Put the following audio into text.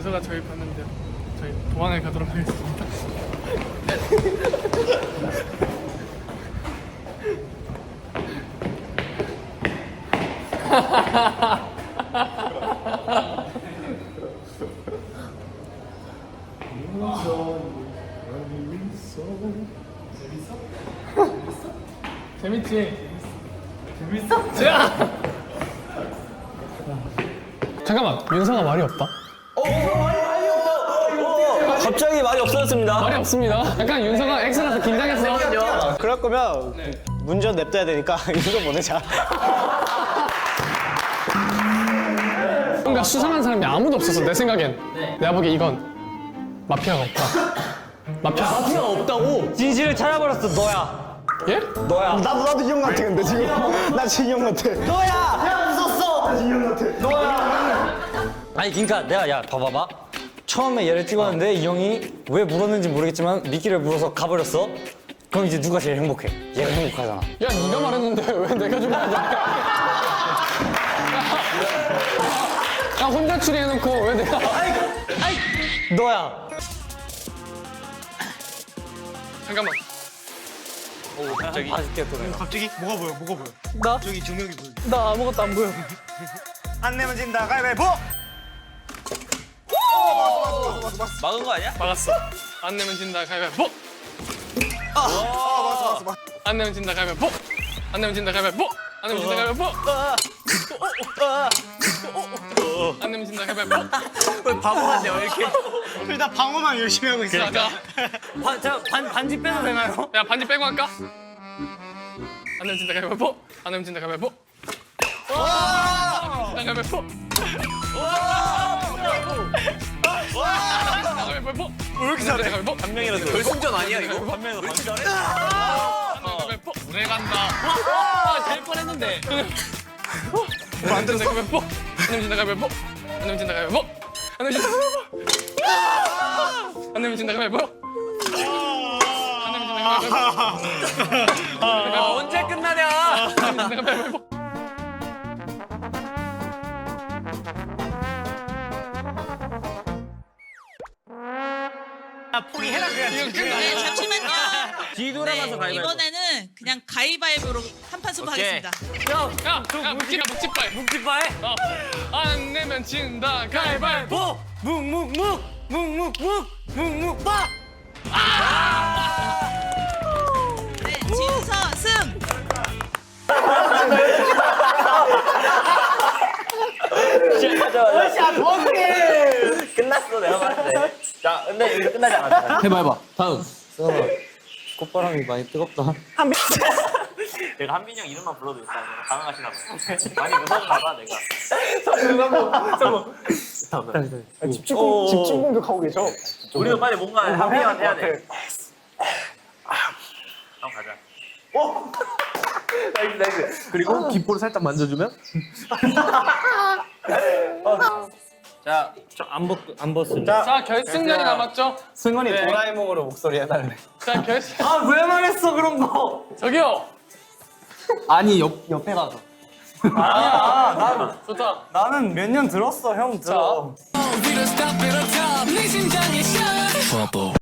윤서가 저희 봤는데요. 저희 도망을 가도록 하겠습니다. 재밌지? 재밌어? 잠깐만, 윤서가 말이 없다. 갑자기 말이 없어졌습니다. 말이 없습니다. 약간 윤서가 X라서 긴장했어. 그럴 거면 문전 냅둬야 되니까 이거 보내자. 뭔가 수상한 사람이 아무도 없었어, 내 생각엔. 내가 보기에 이건 마피아가 없다. 마피아가 없다고? 진실을 찾아버렸어, 너야. 예? 너야. 나도 이 형 같아 근데 지금. 나 지금 이 형 같아. 너야! 야, 웃었어! 나 지금 이 형 같아. 너야! 아니, 그니까 내가, 야, 봐봐봐. 처음에 얘를 찍었는데 이 형이 왜 물었는지 모르겠지만 미끼를 물어서 가버렸어. 그럼 이제 누가 제일 행복해? 얘가 행복하잖아. 야, 네가 말했는데 왜 내가 좀 말해? 야, 혼자 추리해놓고 왜 내가? 너야. 잠깐만. 갑자기? 봐줄게, 또 내가. 갑자기 뭐가 보여? 뭐가 보여? 나? 저기 조명이 보여. 나 아무것도 안 보여. 안 내면 진다. 가위바위보. 막은 거 아니야? 막았어. 안 내면 진다, 가위바위보. 맞아. 안 내면 진다, 가위바위보. 안 내면 진다, 가위바위보. 안 내면 진다, 가위바위보. 안 내면 진다, 가위바위보. 왜 바보 같냐 왜 이렇게? 둘 다 방어만 열심히 하고 있어. 자, 반지 빼도 되나요? 야, 반지 빼고 할까? 안 내면 진다, 가위바위보. 안 내면 진다, 가위바위보. 안 내면 진다, 가위바위보. 가위바위보. 왜 이렇게 잘해? 가위바위보. 한 명이라도. 결승전 아니야, 이거? 한 명이라도. 왜 이렇게 잘해? 가위바위보. 오래 간다. 아, 될 뻔했는데. 안 된다, 가위바위보. 안 내면 진다, 가위바위보. 안 내면 진다, 가위바위보. 안 내면 진다, 가위바위보. 안 내면 진다, 가위바위보. 안 내면 진다, 가위바위보. 언제 끝나냐? 안 내면 진다, 가위바위보. 포기해라 그냥. 이거 네, 끝나요? 잠시만요. 뒤돌아가서 네, 가위바위보. 이번에는 그냥 가위바위보로 한판 승부하겠습니다. 야, 묵찌빠. 묵지빠해. 안 내면 진다, 가위바위보. 묵묵묵묵묵묵묵묵묵 네, 진서 승. 끝났어, 내가 봤을 때. 자, 근데 이거 끝나지 않았어. 해봐. 다음. 꽃바람이 많이 뜨겁다. 내가 한빈이 형 이름만 불러도 일단 가능하시나 봐요. 많이 무서운가 봐, 내가. 집중 공격하고 계셔. 우리도 빨리 뭔가 한빈이 형한테 해야 돼. 한번 가자. 나이스. 그리고 귓볼을 살짝 만져주면 자, 안 벗습니다. 자, 결승전이 남았죠? 승원이 네. 도라에몽으로 목소리 해달래. 자, 결승. 아, 왜 말했어, 그런 거? 저기요. 아니 옆에 가서. 좋다. 나는 몇 년 들었어 형 들어.